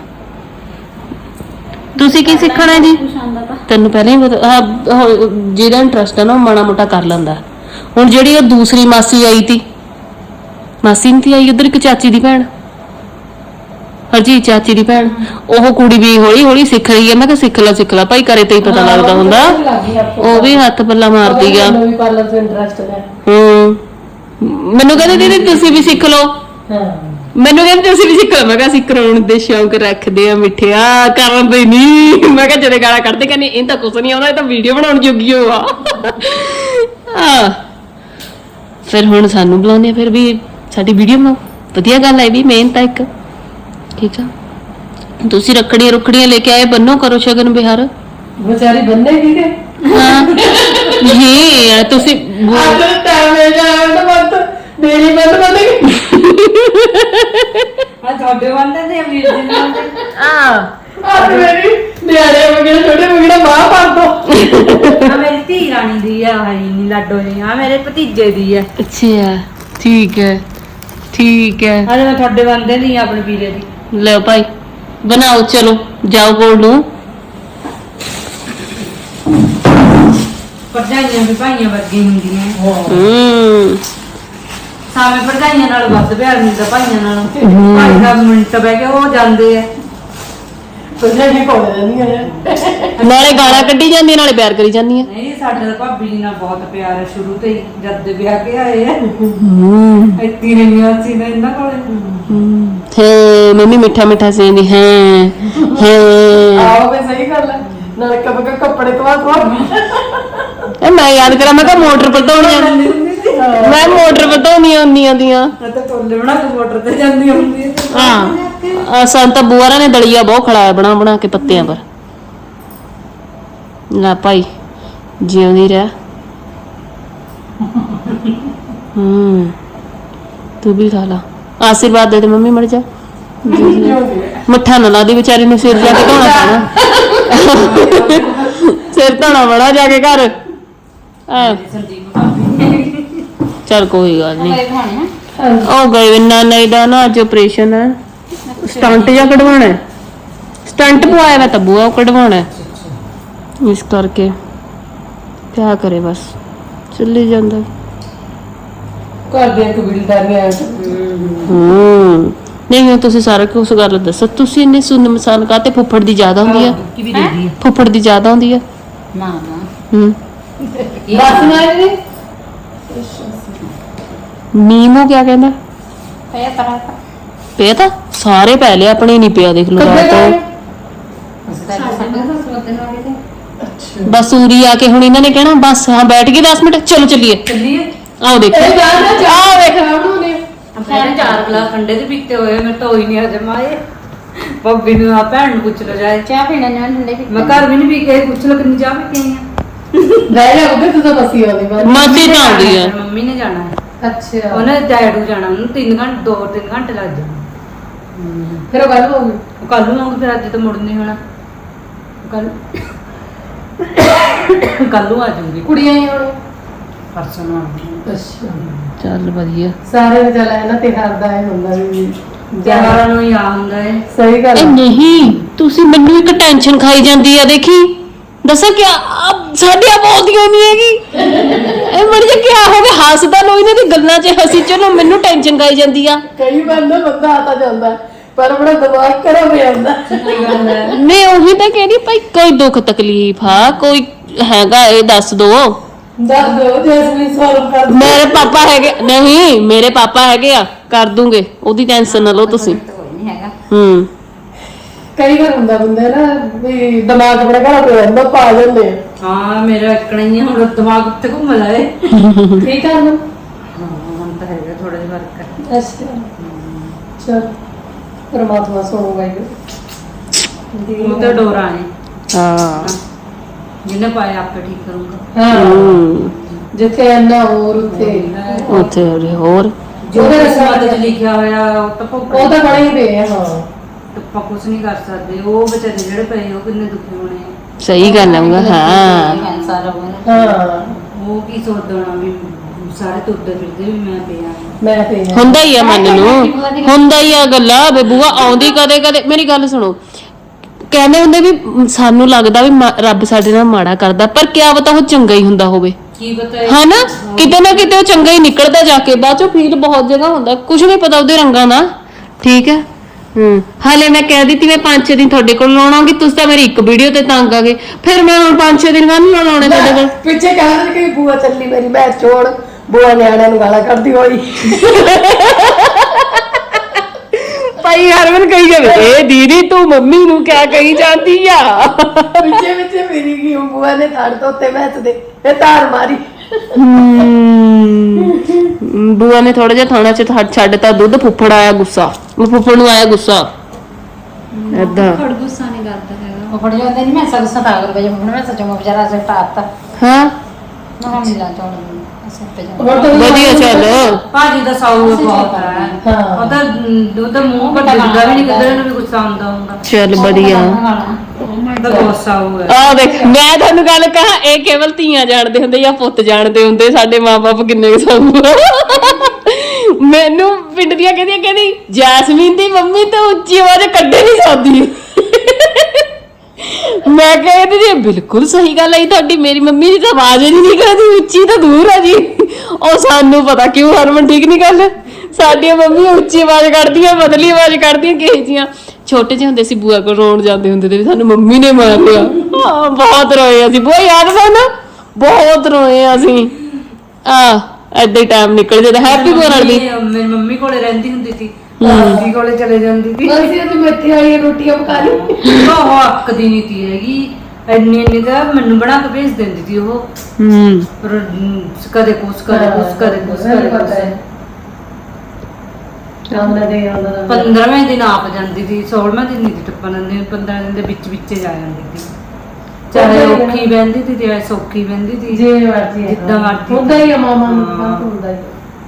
[SPEAKER 1] ਤੁਸੀਂ ਕੀ ਸਿੱਖਣਾ ਜੀ
[SPEAKER 4] ਕੁਛ ਆਉਂਦਾ ਤਾਂ
[SPEAKER 1] ਤੈਨੂੰ ਪਹਿਲਾਂ ਹੀ ਪਤਾ- ਆਹ ਉਹ ਜਿਹਦਾ ਇੰਟਰਸਟ ਆ ਨਾ ਉਹ ਮਾੜਾ ਮੋਟਾ ਕਰ ਲੈਂਦਾ ਹੁਣ ਜਿਹੜੀ ਉਹ ਦੂਸਰੀ ਮਾਸੀ ਆਈ ਤੀ ਮਾਸੀ ਨਹੀਂ ਤੀ ਆਈ ਉਧਰ ਇੱਕ ਚਾਚੀ ਦੀ ਭੈਣ ਹਰਜੀ ਚਾਚੀ ਦੀ ਭੈਣ ਉਹ ਕੁੜੀ ਵੀ ਹੌਲੀ ਹੌਲੀ ਸਿੱਖ ਰਹੀ ਹੈ ਮੈਂ ਕਿਹਾ ਸਿੱਖ ਲੈ ਸਿੱਖ ਲੈ ਭਾਈ ਕਰੇ ਤੇ ਹੀ ਪਤਾ ਲੱਗਦਾ ਹੁੰਦਾ ਉਹ ਵੀ ਹੱਥ ਪੱਲਾ ਮਾਰਦੀ ਆ
[SPEAKER 3] ਮੈਨੂੰ ਵੀ ਪਾਰਲਰ ਚ ਇੰਟਰਸਟ ਹੈ
[SPEAKER 1] ਹੂੰ ਮੈਨੂੰ ਕਹਿੰਦੇ ਦੀਦੀ ਤੁਸੀਂ ਵੀ ਸਿੱਖ ਲਓ
[SPEAKER 3] ਹਾਂ
[SPEAKER 1] ਮੈਨੂੰ ਕਹਿੰਦੇ ਤੁਸੀਂ ਵੀ ਸਿੱਖ ਲਓ ਮੈਂ ਕਿਹਾ ਅਸੀਂ ਕਰਾਉਣ ਦੇ ਸ਼ੌਂਕ ਰੱਖਦੇ ਆ ਮਿੱਠਿਆ ਕਰਨ ਦੇ ਨਹੀਂ ਮੈਂ ਕਿਹਾ ਜਿਹੜੇ ਗਾਲਾਂ ਕੱਢਦੇ ਕਹਿੰਦੇ ਇਹ ਤਾਂ ਕੁਛ ਨਹੀਂ ਆਉਂਦਾ ਇਹ ਤਾਂ ਵੀਡੀਓ ਬਣਾਉਣ ਜੋਗੀ ਹੋ ਆ ਆ ਫਿਰ ਹੁਣ ਸਾਨੂੰ ਬੁਲਾਉਂਦੇ ਆ ਫਿਰ ਵੀ ਸਾਡੀ ਵੀਡੀਓ ਬਣਾਓ ਵਧੀਆ ਗੱਲ ਹੈ ਵੀ ਮਿਹਨਤ ਆ ਇੱਕ ਠੀਕ ਆ ਤੁਸੀਂ ਰੱਖੜੀਆਂ ਰੁਖੜੀਆਂ ਲੈ ਕੇ ਆਏ ਬੰਨੋ ਕਰੋ ਸ਼ਗਨ ਵਿਹਾਰ
[SPEAKER 3] ਵਿਚਾਰੀ ਬੰਨੇ ਕੀ ਕੇ
[SPEAKER 1] ਹਾਂ ਜੀ ਤੁਸੀਂ
[SPEAKER 3] ਅੱਜ ਟਾਈਮ ਹੈ ਜਾਣ ਦਾ ਮਤ ਮੇਰੀ ਬੰਦ ਬੰਦ
[SPEAKER 2] ਆ ਤੁਹਾਡੇ ਬੰਦੇ ਤੇ ਅਮੀਰ ਜੀ ਨਾਲ
[SPEAKER 1] ਆ
[SPEAKER 3] ਅੱਜ ਮੇਰੀ ਨਿਆਣੇ ਵਗੈਰਾ ਛੋਟੇ ਵਗੈਰਾ ਮਾਂ ਪਾ ਦੋ
[SPEAKER 2] ਆ ਮੇਰੀ ਧੀ ਰਾਣੀ ਦੀ ਆ ਹਾਈ ਨੀ ਲਾਡੋ ਜੀ ਆ ਮੇਰੇ ਭਤੀਜੇ ਦੀ ਆ
[SPEAKER 1] ਅੱਛਾ ਠੀਕ ਹੈ ਠੀਕ ਹੈ
[SPEAKER 2] ਆ ਮੈਂ ਤੁਹਾਡੇ ਬੰਦੇ ਦੀ ਆ ਆਪਣੇ ਵੀਰੇ ਦੀ
[SPEAKER 1] ਲੈ ਭਾਈ ਬਣਾਓ ਚਲੋ ਜਾਓ ਕੋਲ ਨੂੰ
[SPEAKER 2] ਭਰਜਾਈਆਂ ਵੀ ਭਾਈਆਂ ਵਰਗੀਆਂ ਹੁੰਦੀਆਂ
[SPEAKER 1] ਹੂੰ
[SPEAKER 2] ਸਾਵੇਂ ਭਰਜਾਈਆਂ ਨਾਲ ਵੱਧ ਪਿਆਰ ਮਿਲਦਾ ਭਾਈਆਂ ਨਾਲੋਂ ਭਾਈ ਦਾ ਮਿੰਟ ਬਹਿ ਕੇ ਉਹ ਜਾਂਦੇ ਆ
[SPEAKER 3] ਤੁਝੇ ਨਹੀਂ ਕੋਲ ਰਹਿੰਦੀਆਂ ਨੇ
[SPEAKER 1] ਨਾਲੇ ਗਾਲਾਂ ਕੱਢੀ ਜਾਂਦੀ ਨਾਲੇ ਪਿਆਰ ਕਰੀ ਜਾਂਦੀ ਆ
[SPEAKER 2] ਨਹੀਂ ਸਾਡੇ ਤਾਂ ਭਾਬੀ ਜੀ ਨਾਲ ਬਹੁਤ ਪਿਆਰ ਹੈ ਸ਼ੁਰੂ ਤੋਂ ਹੀ ਜਦ ਦੇ ਵਿਆਹ ਕੇ ਆਏ ਆ
[SPEAKER 1] ਹੂੰ
[SPEAKER 2] ਇੱਥੇ ਰਹੀਆਂ ਸੀ ਨਾ ਇਹਨਾਂ ਕੋਲੇ
[SPEAKER 1] ਹੈ ਮੰਮੀ ਮਿੱਠਾ ਮਿੱਠਾ ਸੇਂਦੀ ਹੈ ਹੈ
[SPEAKER 3] ਆਓ ਵੀ ਸਹੀ ਗੱਲ ਹੈ ਨਾਲ ਕਬ ਕੱਪੜੇ ਤੋਂ ਤੋਂ
[SPEAKER 1] ਇਹ ਮੈਂ ਯਾਦ ਕਰਾਂ ਮੈਂ ਕਿਹਾ ਮੋਟਰ ਪਟਾਉਣੀਆਂ ਮੈਂ ਮੋਟਰ ਪਟਾਉਣੀਆਂ ਹੁੰਦੀਆਂ ਦੀਆਂ
[SPEAKER 2] ਮੈਂ ਤਾਂ ਟੋਲੇ ਬਣਾ ਕੇ ਮੋਟਰ ਤੇ ਜਾਂਦੀ ਹੁੰਦੀ ਹੈ
[SPEAKER 1] ਹਾਂ ਆ ਸੰਤ ਬੂਆਰਾ ਨੇ ਦਲੀਆ ਬਹੁਤ ਖੜਾਇਆ ਬਣਾ ਬਣਾ ਕੇ ਪੱਤਿਆਂ ਪਰ ਲੈ ਭਾਈ ਜਿਉਂਦੀ ਰਹਿ ਹੂੰ ਤੂੰ ਵੀ ਖਾ ਲਾ ਆਸ਼ੀਰਵਾਦ ਦੇ ਦੇ ਮੰਮੀ ਮਰ ਜਾ ਮੱਠਾ ਨਾ ਲਾ ਦੀ ਵਿਚਾਰੀ ਨੂੰ ਸਿਰ ਜਾ ਕੇ ਧੋਣਾ ਪੈਣਾ ਸਿਰ ਧੋਣਾ ਬੜਾ ਜਾ ਕੇ ਘਰ ਆ
[SPEAKER 2] ਸੰਦੀਪ ਭਾਬੀ
[SPEAKER 1] ਚਲ ਕੋਈ ਗੱਲ ਨਹੀਂ
[SPEAKER 2] ਇਹ ਖਾਣੇ
[SPEAKER 1] ਉਹ ਗਏ ਨਾ ਨਹੀਂ ਦਾ ਨਾ ਅੱਜ ਆਪਰੇਸ਼ਨ ਹੈ ਸਟੰਟ ਜਾਂ ਕਢਵਾਉਣਾ ਹੈ ਸਟੰਟ ਪਵਾਇਆ ਮੈਂ ਤਾਂ ਬੂਆ ਕਢਵਾਉਣਾ ਹੈ ਇਸ ਕਰਕੇ ਕਿਆ ਕਰੇ ਬਸ ਚੱਲੀ ਜਾਂਦਾ
[SPEAKER 3] ਘਰ ਦੇ ਕਬੀਲਦਾਰੀਆਂ
[SPEAKER 1] ਹੂੰ ਨਹੀਂ ਹੁਣ ਤੁਸੀਂ ਸਾਰਾ ਕੁਝ ਗੱਲ ਦੱਸੋ ਤੁਸੀਂ ਇੰਨੇ ਸੁੰਨ ਮਸਾਨ ਕਾਤੇ ਫੁੱਫੜ ਦੀ ਜ਼ਿਆਦਾ ਹੁੰਦੀ ਆ
[SPEAKER 2] ਕੀ ਵੀ ਦੇ ਦੀ
[SPEAKER 1] ਫੁੱਫੜ ਦੀ ਜ਼ਿਆਦਾ ਹੁੰਦੀ ਆ
[SPEAKER 2] ਨਾ ਨਾ
[SPEAKER 1] ਹੂੰ
[SPEAKER 3] ਬਸ ਨਾ ਇਹਦੀ
[SPEAKER 1] ਨੀਮੋ ਕਿਆ ਕਹਿੰਦਾ
[SPEAKER 2] ਪਿਆ ਤਰਾ
[SPEAKER 1] ਪਿਆ ਤਾਂ ਸਾਰੇ ਪੈ ਲਿਆ ਆਪਣੇ ਨਹੀਂ ਪਿਆ ਦੇਖ ਲਓ ਰਾਤ ਤੋਂ
[SPEAKER 2] ਅਸੀਂ ਤਾਂ ਸਾਡੇ ਸੱਸ ਬੋਤੇ ਨਾਲ ਕਿਤੇ
[SPEAKER 3] ਅੱਛਾ
[SPEAKER 1] ਬਸ ਉਰੀ ਆ ਕੇ ਹੁਣ ਇਹਨਾਂ ਨੇ ਕਹਿਣਾ ਬਸ ਹਾਂ ਬੈਠ ਗਏ ਦਸ ਮਿੰਟ ਚਲੋ ਚੱਲੀਏ
[SPEAKER 2] ਚੱਲੀਏ
[SPEAKER 1] ਆਓ ਦੇਖੋ
[SPEAKER 3] ਇਹ ਬਾਹਰ ਨਾ ਜਾ
[SPEAKER 1] ਆਹ ਵੇਖ
[SPEAKER 3] ਉਹਨੂੰ ਨੇ
[SPEAKER 2] ਆਪਣੇ ਚਾਰ ਗਲਾਸ ਠੰਡੇ ਦੇ ਪੀਤੇ ਹੋਏ ਮੈਂ ਤਾਂ ਹੋਈ ਨਹੀਂ ਹਜਮ ਆਏ ਬੱਬੀ ਨੂੰ ਆ ਭੈਣ ਨੂੰ ਪੁੱਛ ਲੋ ਜਾਏ
[SPEAKER 4] ਚਾਹ ਪੀਣਾ ਨਾ ਠੰਡੇ ਪੀ
[SPEAKER 2] ਮੈਂ ਘਰ ਵੀ ਨਹੀਂ ਪੀ ਕੇ ਆਈ, ਪੁੱਛ ਲੋ ਕਿੰਨੀ ਚਾਹ ਪੀ ਕੇ ਆਈ ਆ
[SPEAKER 3] ਲੈ ਜਾ ਉਹਦੇ ਤੋਂ ਬਸੀ ਆਉਂਦੀ ਬਾਅਦ
[SPEAKER 1] ਮਾਸੀ ਤਾਂ ਆਉਂਦੀ ਆ
[SPEAKER 2] ਮੰਮੀ ਨੇ ਜਾਣਾ ਹੈ
[SPEAKER 3] ਅੱਛਾ
[SPEAKER 2] ਉਹਨੇ ਡੈਡੂ ਜਾਣਾ ਉਹਨੂੰ ਤਿੰਨ ਘੰਟੇ ਦੋ ਤਿੰਨ ਘੰਟੇ ਲੱਗ ਜਾਣੇ
[SPEAKER 3] ਫਿਰ ਉਹ ਗੱਲ ਹੋ ਗਈ
[SPEAKER 2] ਉਹ ਕੱਲ ਨੂੰ ਆਉਂਗੀ ਫਿਰ ਅੱਜ ਤਾਂ ਮੁੜ ਨਹੀਂ ਹੋਣਾ ਕੱਲ ਕੱਲ ਨੂੰ ਆ ਜਾਊਗੀ
[SPEAKER 3] ਕੁੜੀਆਂ ਹੀ ਹੁਣ
[SPEAKER 2] ਪਰਸੋਂ ਨੂੰ ਆਉਂਗੀ
[SPEAKER 3] ਅੱਛਾ
[SPEAKER 1] ਚੱਲ ਵਧੀਆ
[SPEAKER 3] ਸਾਰੇ ਚੱਲ ਇਹਨਾਂ ਤੇ ਹਰਦਾ ਹੈ ਹੁੰਦਾ ਵੀ
[SPEAKER 2] ਤਿਉਹਾਰਾਂ ਨੂੰ ਹੀ ਆ ਹੁੰਦਾ ਹੈ
[SPEAKER 3] ਸਹੀ ਗੱਲ
[SPEAKER 1] ਇਹ
[SPEAKER 3] ਆ।
[SPEAKER 1] ਨਹੀਂ ਤੁਸੀਂ ਮੈਨੂੰ ਇੱਕ ਟੈਨਸ਼ਨ ਖਾਈ ਜਾਂਦੀ ਆ ਦੇਖੀ ਦੱਸਾਂ ਕਿ ਸਾਡੀ ਆਵਾਜ਼ੀਆਂ ਨਹੀਂ ਹੈਗੀ ਇਹ ਬੜੀ ਜਿਹਾ ਕੀ ਹੋ ਗਿਆ ਹੱਸਦਾ ਲੋ ਇਹਨਾਂ ਦੀ ਗੱਲਾਂ 'ਚ ਹੱਸੀ ਚਲੋ ਮੈਨੂੰ ਟੈਨਸ਼ਨ ਖਾਈ ਜਾਂਦੀ ਆ
[SPEAKER 3] ਕਈ ਵਾਰ ਨਾ ਬੰਦਾ ਆਤਾ ਜਾਂਦਾ ਹੈ, ਪਰ ਬੜਾ ਦਿਮਾਗ ਖਰਾਬ ਹੋ ਜਾਂਦਾ
[SPEAKER 1] ਨਹੀਂ ਉਹੀ ਤਾਂ ਕਹਿੰਦੀ ਭਾਈ ਕੋਈ ਦੁੱਖ ਤਕਲੀਫ ਆ ਕੋਈ ਹੈਗਾ ਇਹ ਦੱਸ ਦੋ
[SPEAKER 3] ਦੱਸ ਦੋ ਜੈਸਮੀਨ ਸੋਲਵ ਕਰ ਦੇ
[SPEAKER 1] ਮੇਰੇ ਪਾਪਾ ਹੈਗੇ ਨਹੀਂ ਮੇਰੇ ਪਾਪਾ ਹੈਗੇ ਆ ਕਰ ਦੂੰਗੇ ਉਹਦੀ ਟੈਨਸ਼ਨ ਨਾ ਲਓ ਤੁਸੀਂ
[SPEAKER 2] ਕੋਈ ਨਹੀਂ ਹੈਗਾ
[SPEAKER 1] ਹੂੰ
[SPEAKER 3] ਕਈ ਵਾਰ ਹੁੰਦਾ ਬੰਦਾ ਨਾ ਵੀ ਦਿਮਾਗ ਬੜਾ ਖਰਾਬ ਹੋ ਜਾਂਦਾ ਪਾ ਜਾਂਦੇ ਆ
[SPEAKER 2] ਹਾਂ ਮੇਰਾ ਇਕਣਾ ਹੀ ਆ, ਹੁਣ ਦਿਮਾਗ ਉੱਤੇ ਘੁੰਮ ਲਾਏ
[SPEAKER 3] ਠੀਕ ਆ ਨਾ
[SPEAKER 2] ਹਾਂ ਹੁਣ ਤਾਂ ਹੈਗਾ ਥੋੜਾ ਜਿਹਾ ਫਰਕ ਹੈ
[SPEAKER 3] ਅੱਛਾ ਚਲ ਪਰਮਾਤਮਾ ਸੁਣੂਗਾ ਇਹ
[SPEAKER 2] ਉਹ ਤਾਂ ਡੋਰਾ ਨੇ
[SPEAKER 1] ਹਾਂ
[SPEAKER 2] ਜਿਹਨੇ ਪਾਇਆ ਆਪੇ ਠੀਕ ਕਰੂੰਗਾ
[SPEAKER 3] ਹਾਂ
[SPEAKER 1] ਹੂੰ
[SPEAKER 3] ਜਿੱਥੇ ਇੰਨਾ ਹੋਰ ਉੱਥੇ
[SPEAKER 1] ਉੱਥੇ ਹੋਰ- ਹੋਰ
[SPEAKER 2] ਜੋ ਕਿਸਮਤ 'ਚ ਲਿਖਿਆ ਹੋਇਆ ਉਹ ਤਾਂ ਭੁਗਤਣਾ
[SPEAKER 3] ਉਹ ਤਾਂ ਬਣੇ ਹੀ ਪਏ ਆ ਹਾਂ
[SPEAKER 2] ਆਪਾਂ ਕੁਝ ਨਹੀਂ ਕਰ ਸਕਦੇ ਉਹ ਵਿਚਾਰੇ ਜਿਹੜੇ ਪਏ ਉਹ ਕਿੰਨੇ ਦੁਖੀ ਹੋਣੇ ਆ
[SPEAKER 1] ਸਹੀ ਗੱਲ ਆਉਂਗਾ ਹਾਂ
[SPEAKER 2] ਕੈਂਸਰ
[SPEAKER 3] ਹਾਂ
[SPEAKER 2] ਉਹ ਕੀ ਸੋਚਦਾ ਹੋਣਾ ਵੀ ਸਾਰੇ ਤੁਰਦੇ ਫਿਰਦੇ ਵੀ ਮੈਂ ਪਿਆ
[SPEAKER 3] ਮੈਂ ਤੇ ਆ।
[SPEAKER 1] ਹੁੰਦਾ ਹੀ ਆ ਮਨ ਨੂੰ ਹੁੰਦਾ ਹੀ ਆ ਗੱਲਾਂ ਬੇਬੂਆ ਆਉਂਦੀ ਕਦੇ ਕਦੇ ਮੇਰੀ ਗੱਲ ਸੁਣੋ ਕਹਿੰਦੇ ਹੁੰਦੇ ਵੀ ਸਾਨੂੰ ਲੱਗਦਾ ਵੀ ਮਾ- ਰੱਬ ਸਾਡੇ ਨਾਲ ਮਾੜਾ ਕਰਦਾ ਪਰ ਕਿਆ ਪਤਾ ਉਹ ਚੰਗਾ ਹੀ ਹੁੰਦਾ ਹੋਵੇ
[SPEAKER 2] ਕੀ ਪਤਾ
[SPEAKER 1] ਹਨਾ ਕਿਤੇ ਨਾ ਕਿਤੇ ਉਹ ਚੰਗਾ ਹੀ ਨਿਕਲਦਾ ਜਾ ਕੇ ਬਾਅਦ ਚੋਂ ਫੀਲ ਬਹੁਤ ਜਗ੍ਹਾ ਹੁੰਦਾ ਕੁਝ ਨਹੀਂ ਪਤਾ ਉਹਦੇ ਰੰਗਾਂ ਦਾ ਠੀਕ ਹੈ ਹੂੰ ਹਾਲੇ ਮੈਂ ਕਹਿ ਦਿੱਤੀ ਮੈਂ ਪੰਜ ਛੇ ਦਿਨ ਤੁਹਾਡੇ ਕੋਲ ਲਾਉਣਾਂਗੀ ਤੁਸੀਂ ਤਾਂ ਮੇਰੀ ਇੱਕ ਵੀਡੀਓ ਤੇ ਤੰਗ ਆ ਗਏ ਫਿਰ ਮੈਂ ਹੁਣ ਪੰਜ ਛੇ ਦਿਨ ਕਾਹਨੂੰ ਲਾਉਣੇ ਤੁਹਾਡੇ ਕੋਲ
[SPEAKER 3] ਪਿੱਛੇ ਕਹਿੰਦੇ ਕਿ ਬੂਆ ਚੱਲੀ ਮੇਰੀ ਮੈਂ ਛੋੜ ਬੂਆ ਨਿਆਣਿਆਂ ਨੂੰ ਗਾਲਾਂ ਕੱਢਦੀ ਹੋਈ
[SPEAKER 1] ਭਾਈ ਹਰਮਨ ਕਹੀ ਜਾਵੇ ਏ ਦੀਦੀ ਤੂੰ ਮੰਮੀ ਨੂੰ ਕਿਆ ਕਹੀ ਜਾਂਦੀ ਆ
[SPEAKER 3] ਪਿੱਛੇ ਪਿੱਛੇ ਮੇਰੀ ਕੀ ਬੂਆ ਨੇ ਧੜ ਤੋਂ ਉੱਤੇ ਮੈਚ ਦੇ ਇਹ ਤਾਰ ਮਾਰੀ
[SPEAKER 1] ਹਮ, ਬੂਆ ਨੇ ਥੋੜਾ ਜਿਹਾ ਥਾਣਾ ਚ ਛੱਡ- ਛੱਡਤਾ ਦੁੱਧ ਫੁੱਫੜ ਆਇਆ ਗੁੱਸਾ ਉਹ ਫੁੱਫੜ ਨੂੰ ਆਇਆ ਗੁੱਸਾ ਏਦਾਂ
[SPEAKER 4] ਖੜ ਗੁੱਸਾ ਨਹੀਂ ਕਰਦਾ ਹੈਗਾ
[SPEAKER 2] ਉਹ ਫੜ ਜਾਂਦੇ ਨਹੀਂ ਮੈਂ ਸਭ ਸਤਾ ਕਰ ਵਜੇ ਹੁਣ ਮੈਂ ਸੱਚੋ ਵਿਚਾਰਾ ਸੇ ਟਾਪਤਾ
[SPEAKER 1] ਹਾਂ
[SPEAKER 2] ਨਾ ਮਿਲਾ ਚੋਣ ਅਸਰ ਤੇ ਜਾ
[SPEAKER 3] ਹੁਣ ਤਾਂ
[SPEAKER 1] ਵਧੀਆ ਚੱਲ
[SPEAKER 2] ਭਾਜੀ ਦਾ ਸਾਊ ਬਹੁਤ ਹੈ
[SPEAKER 3] ਹਾਂ।
[SPEAKER 2] ਉਹ ਤਾਂ ਉਹਦਾ ਮੂੰਹ ਵੱਡਾ ਵੀ ਨਹੀਂ ਕਿਧਰ ਨੂੰ ਵੀ ਗੁੱਸਾ ਆਉਂਦਾ ਹੁੰਦਾ
[SPEAKER 1] ਚੱਲ ਵਧੀਆ
[SPEAKER 2] ਉਹਦਾ ਬਹੁਤ ਸਾਊ ਹੈ
[SPEAKER 1] ਆ ਦੇਖ ਮੈਂ ਤੁਹਾਨੂੰ ਗੱਲ ਕਹਾਂ ਇਹ ਕੇਵਲ ਧੀਆਂ ਜਾਣਦੇ ਹੁੰਦੇ ਜਾਂ ਪੁੱਤ ਜਾਣਦੇ ਹੁੰਦੇ ਸਾਡੇ ਮਾਪੇ ਕਿੰਨੇ ਕੁ ਸਾਨੂੰ ਮੈਨੂੰ ਪਿੰਡ ਦੀਆਂ ਕਹਿੰਦੀਆਂ ਕਹਿੰਦੀ ਜੈਸਮੀਨ ਦੀ ਮੰਮੀ ਤਾਂ ਉੱਚੀ ਆਵਾਜ਼ ਕੱਢੇ ਨਹੀਂ ਸਕਦੀ ਮੈਂ ਕਹਿੰਦੀ ਜੀ ਬਿਲਕੁਲ ਸਹੀ ਗੱਲ ਹੈ ਤੁਹਾਡੀ ਮੇਰੀ ਮੰਮੀ ਦੀ ਤਾਂ ਆਵਾਜ਼ ਹੀ ਨਹੀਂ ਨਿਕਲਦੀ ਉੱਚੀ ਤਾਂ ਦੂਰ ਆ ਜੀ ਉਹ ਸਾਨੂੰ ਪਤਾ ਕਿਉਂ ਹਰਮਨ ਠੀਕ ਨਹੀਂ ਗੱਲ ਸਾਡੀਆਂ ਮੰਮੀ ਉੱਚੀ ਆਵਾਜ਼ ਕੱਢਦੀਆਂ ਬਦਲੀ ਆਵਾਜ਼ ਕੱਢਦੀਆਂ ਕਿਹੇ ਜੀਆਂ ਛੋਟੇ ਜਿਹੇ ਹੁੰਦੇ ਸੀ ਬੂਆ ਕੋਲ ਰੋਣ ਜਾਂਦੇ ਹੁੰਦੇ ਤੇ ਵੀ ਸਾਨੂੰ ਮੰਮੀ ਨੇ ਮਾਰ ਲਿਆ ਹਾਂ ਬਹੁਤ ਰੋਏ ਅਸੀਂ ਬੂਆ ਯਾਦ ਸਾਨੂੰ ਬਹੁਤ ਰੋਏ ਅਸੀਂ ਆ ਏਦਾਂ ਹੀ ਟਾਈਮ ਨਿਕਲ ਜਾਂਦਾ ਹੈਪੀ ਬੂਆ ਨਾਲ ਦੀ
[SPEAKER 2] ਮੇਰੀ ਮੰਮੀ ਕੋਲੇ ਰਹਿੰਦੀ ਹੁੰਦੀ ਸੀ ਦਾਦੀ ਕੋਲੇ ਚਲੇ ਜਾਂਦੀ ਸੀ
[SPEAKER 3] ਅਸੀਂ ਅੱਜ ਮੇਥੇ ਵਾਲੀਆਂ ਰੋਟੀਆਂ ਪਕਾ ਲਈ
[SPEAKER 2] ਉਹ ਅੱਕਦੀ ਨਹੀਂ ਤੀ ਹੈਗੀ ਇੰਨੀ ਇੰਨੀ ਤਾਂ ਮੈਨੂੰ ਬਣਾ ਕੇ ਭੇਜ ਦਿੰਦੀ ਸੀ ਉਹ
[SPEAKER 1] ਹੂੰ
[SPEAKER 2] ਪਰ ਕਦੇ ਕੁਛ ਕਦੇ ਕੁਛ ਕਦੇ ਕੁਛ ਕਦੇ ਕੁਛ
[SPEAKER 3] ਆਉਂਦਾ ਦੇ ਆਉਂਦਾ ਦਾ
[SPEAKER 2] ਪੰਦਰਵੇਂ ਦਿਨ ਆਪ ਜਾਂਦੀ ਸੀ ਸੋਲਵੇਂ ਦਿਨ ਨਹੀਂ ਟੱਪਣ ਦਿੰਦੇ ਪੰਦਰਾਂ ਦਿਨ ਦੇ ਵਿੱਚ ਵਿੱਚ ਜਾ ਜਾਂਦੀ ਸੀ ਚਾਹੇ ਔਖੀ ਬਹਿੰਦੀ ਸੀ ਚਾਹੇ ਸੌਖੀ ਬਹਿੰਦੀ ਸੀ
[SPEAKER 3] ਜੇ ਮਰਜੀ
[SPEAKER 2] ਜਿੱਦਾਂ ਮਰਜ਼ੀ।
[SPEAKER 3] ਹੁੰਦਾ ਹੀ ਆ ਮਾਮਾ ਨੂੰ ਤਾਂ ਹੁੰਦਾ ਹੀ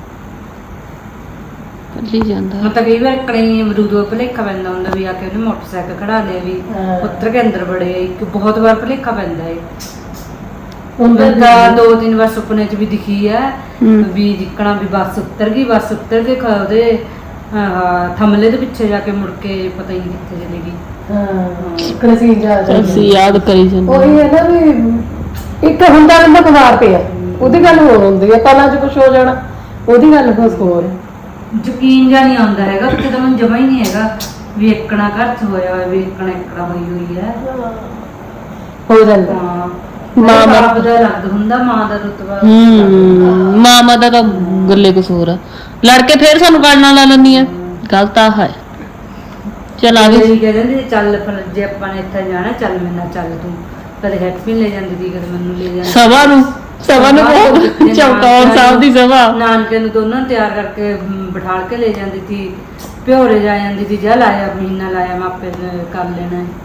[SPEAKER 1] ਕੱਲੀ ਜਾਂਦਾ
[SPEAKER 2] ਮੈਂ ਤਾਂ ਕਈ ਵਾਰ ਕਣੀ ਅਮਰੂਦੋ ਭਲੇਖਾ ਪੈਂਦਾ ਹੁੰਦਾ ਵੀ ਆ ਕੇ ਉਹਨੇ ਮੋਟਰਸਾਈਕਲ ਖੜਾ ਲਿਆ ਵੀ
[SPEAKER 3] ਹਾਂ।
[SPEAKER 2] ਪੁੱਤਰ ਕੇ ਅੰਦਰ ਬੜੇ ਇੱਕ ਬਹੁਤ ਵਾਰ ਭਲੇਖਾ ਪੈਂਦਾ ਹੈ
[SPEAKER 3] ਹੁੰਦਾ
[SPEAKER 2] ਬੰਦਾ ਦੋ ਤਿੰਨ ਵਾਰ ਸੁਪਨੇ 'ਚ ਵੀ ਦਿਖੀ ਹੈ
[SPEAKER 1] ਹੂੰ।
[SPEAKER 2] ਵੀ ਜਿੱਕਣਾ ਵੀ ਬੱਸ ਉੱਤਰ ਗਈ ਬੱਸ ਉੱਤਰ ਕੇ ਖ- ਉਹਦੇ ਆਹ, ਥਮਲੇ ਦੇ ਪਿੱਛੇ ਜਾ ਕੇ ਮੁੜ ਕੇ ਪਤਾ ਹੀ ਨਹੀਂ ਕਿੱਥੇ ਚਲੀ ਗਈ
[SPEAKER 3] ਹਾਂ ਕ੍ਰਸੀ ਜਾ
[SPEAKER 1] ਅਸੀਂ ਯਾਦ ਕਰੀ ਜਾਂਦੇ
[SPEAKER 3] ਉਹੀ ਹੈ ਨਾ ਵੀ ਇੱਕ ਹੁੰਦਾ ਬੰਦਾ ਕੁਮਾਰ ਪਿਆ ਉਹਦੀ ਗੱਲ ਹੋਰ ਹੁੰਦੀ ਹੈ ਪਹਿਲਾਂ ਚ ਕੁਝ ਹੋ ਜਾਣਾ ਉਹਦੀ ਗੱਲ ਕੁਝ ਹੋਰ ਹੈ
[SPEAKER 2] ਯਕੀਨ ਜਾਂ ਨਹੀਂ ਆਉਂਦਾ ਹੈਗਾ ਉੱਥੇ ਤਾਂ ਮੈਨੂੰ ਜਮਾ ਹੀ ਨਹੀਂ ਹੈਗਾ ਵੀ ਇੱਕਣਾ ਘਰ 'ਚ ਹੋਇਆ ਹੋਇਆ ਵੀ ਇੱਕਣਾ ਇੱਕਣਾ ਹੋਈ ਹੋਈ ਹੈ
[SPEAKER 3] ਹੋ ਜਾਂਦਾ
[SPEAKER 2] ਹਾਂ
[SPEAKER 1] ਮਾਂ
[SPEAKER 2] ਮਾਂ
[SPEAKER 1] ਦਾ-
[SPEAKER 2] ਬਾਪ ਦਾ ਅਲੱਗ ਹੁੰਦਾ ਮਾਂ ਦਾ ਰੁਤਬਾ
[SPEAKER 1] ਹੂੰ ਮਾਮਾ ਦਾ ਤਾਂ ਗੱਲੇ ਕਸੂਰ ਆ ਲੜ ਕੇ ਫੇਰ ਸਾਨੂੰ ਕਰਨਾ ਲਾ ਲੈਂਦੀ ਆ ਗਲਤ ਆ ਹੈ ਚਲ ਆ ਗਈ
[SPEAKER 2] ਇਹ ਕਹਿੰਦੇ ਚੱਲ ਫਿਰ ਜੇ ਆਪਾਂ ਨੇ ਇੱਥੇ ਜਾਣਾ ਚੱਲ ਮੇਰੇ ਨਾਲ ਚੱਲ ਤੂੰ ਕਦੇ ਹੈਪੀ ਲੈ ਜਾਂਦੀ ਸੀ ਕਦੇ ਮੈਨੂੰ ਲੈ ਜਾਂਦੀ
[SPEAKER 1] ਸਭਾ ਨੂੰ ਸਭਾ ਨੂੰ ਬਹੁਤ ਚੌਕੌਰ ਸਾਹਿਬ ਦੀ ਸਭਾ
[SPEAKER 2] ਨਾਨਕੇ ਨੂੰ ਦੋਨਾਂ ਨੂੰ ਤਿਆਰ ਕਰਕੇ ਅਮ, ਬਿਠਾਲ ਕੇ ਲੈ ਜਾਂਦੀ ਸੀ ਪਿਓਰੇ ਜਾ ਜਾਂਦੀ ਸੀ ਜਾ ਲਾਇਆ ਮਹੀਨਾ ਲਾਇਆ ਮੈਂ ਆਪੇ ਕਰ ਲੈਣਾ ਹੈ।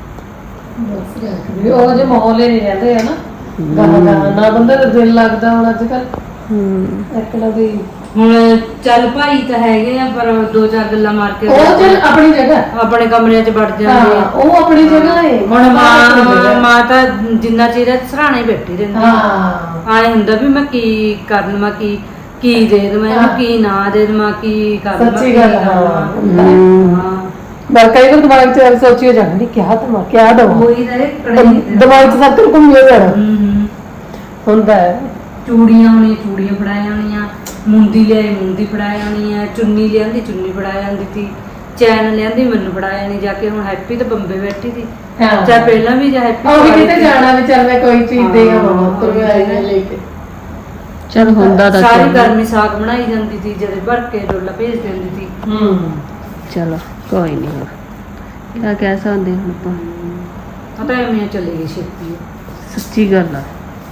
[SPEAKER 3] ਵੀ ਉਹ ਜੇ ਮਾਹੌਲ ਹੀ ਨਹੀਂ ਰਹਿੰਦੇ ਆ ਨਾ ਗਾਣਾ ਗਾਣਾ ਨਾ ਬੰਦੇ ਦਾ ਦਿਲ ਲੱਗਦਾ ਹੁਣ ਅੱਜ ਕੱਲ
[SPEAKER 1] ਹੂੰ
[SPEAKER 3] ਇਕਲਾ ਵੀ
[SPEAKER 2] ਹੁਣ ਚੱਲ ਭਾਈ ਤਾਂ ਹੈਗੇ ਆ ਪਰ ਦੋ ਚਾਰ ਗੱਲਾਂ ਮਾਰ ਕੇ
[SPEAKER 3] ਉਹ ਚੱਲ ਆਪਣੀ ਜਗ੍ਹਾ
[SPEAKER 2] ਆਪਣੇ ਕਮਰਿਆਂ 'ਚ ਵੜ ਜਾਂਦੇ
[SPEAKER 3] ਹਾਂ
[SPEAKER 2] ਆ।
[SPEAKER 3] ਉਹ ਆਪਣੀ ਜਗ੍ਹਾ ਹੈ
[SPEAKER 2] ਹੁਣ ਮਾਂ ਮਾਂ ਤਾਂ ਜਿੰਨਾ ਚਿਰ ਸਰਾਣੇ ਬੈਠੀ ਰਹਿੰਦੀ
[SPEAKER 3] ਹਾਂ
[SPEAKER 2] ਆਏ ਹੁੰਦਾ ਵੀ ਮੈਂ ਕੀ ਕਰ ਲਵਾਂ ਕੀ ਕੀ ਦੇ ਦੇਵਾਂ ਇਹਨੂੰ ਕੀ ਨਾ ਦੇ ਦੇਵਾਂ ਕੀ ਕਰ ਲਵਾਂ
[SPEAKER 3] ਸੱਚੀ
[SPEAKER 2] ਕੀ
[SPEAKER 3] ਗੱਲ
[SPEAKER 2] ਕਰ
[SPEAKER 3] ਹਾਂ
[SPEAKER 2] ਲਵਾਂ। ਹਾਂ
[SPEAKER 3] ਪਰ ਕਈ ਵਾਰ ਦਿਮਾਗ 'ਚ ਐਵੇਂ ਸੋਚੀ ਹੋ ਜਾਂਦੀ ਕਿਆ ਦਵਾ ਕਿਆ ਦਵਾ
[SPEAKER 2] ਉਹੀ ਤਾਂ ਇਹ ਕੜਾਈ ਤੇ
[SPEAKER 3] ਦਿਮਾਗ 'ਚ ਸਭ ਤੋਂ ਘੁੰਮਿਆ ਜਾਣਾ
[SPEAKER 2] ਹੂੰ ਹੂੰ
[SPEAKER 3] ਹੁੰਦਾ ਹੈ
[SPEAKER 2] ਚੂੜੀਆਂ ਹੋਣੀਆਂ ਚੂੜੀਆਂ ਫੜਾਇਆ ਹੋਣੀਆਂ ਮੁੰਦੀ ਲਿਆਈ ਮੁੰਦੀ ਫੜਾਇਆ ਹੋਣੀ ਆ ਚੁੰਨੀ ਲਿਆਂਦੀ ਚੁੰਨੀ ਫੜਾਇਆ ਜਾਂਦੀ ਸੀ ਚੈਨ ਲਿਆਂਦੀ ਮੈਨੂੰ ਫੜਾਇਆ ਨਹੀਂ ਜਾ ਕੇ ਹੁਣ ਹੈਪੀ ਤਾਂ ਬੰਬੇ ਬੈਠੀ ਸੀ
[SPEAKER 3] ਹਾਂ
[SPEAKER 2] ਚਾਹੇ ਪਹਿਲਾਂ ਵੀ ਜਾਂ ਹੈਪੀ
[SPEAKER 3] ਉਹ ਵੀ ਕਿਤੇ ਜਾਣਾ ਵੀ ਚੱਲ ਮੈਂ ਕੋਈ ਚੀਜ਼ ਦੇ ਆਵਾਂ ਤੁਰ ਕੇ ਆਈ ਨਾ ਲੈ ਕੇ
[SPEAKER 1] ਚਲ ਹੁੰਦਾ ਤਾਂ
[SPEAKER 2] ਸਾਰੀ
[SPEAKER 1] ਚੱਲ।
[SPEAKER 2] ਗਰਮੀ ਸਾਗ ਬਣਾਈ ਜਾਂਦੀ ਸੀ ਜਦੇ ਭਰ ਕੇ ਡੋਲਾ ਭੇਜ ਦਿੰਦੀ ਸੀ
[SPEAKER 3] ਹੂੰ
[SPEAKER 1] ਚਲੋ ਕੋਈ ਨਹੀਂ ਹੁਣ ਕਿਆ ਕਹਿ ਸਕਦੇ ਹੁਣ ਆਪਾਂ
[SPEAKER 2] ਪਤਾ ਹੈ ਮੈਂ ਚਲੇ ਗਈ ਛੇਤੀ
[SPEAKER 1] ਸੱਚੀ ਗੱਲ ਆ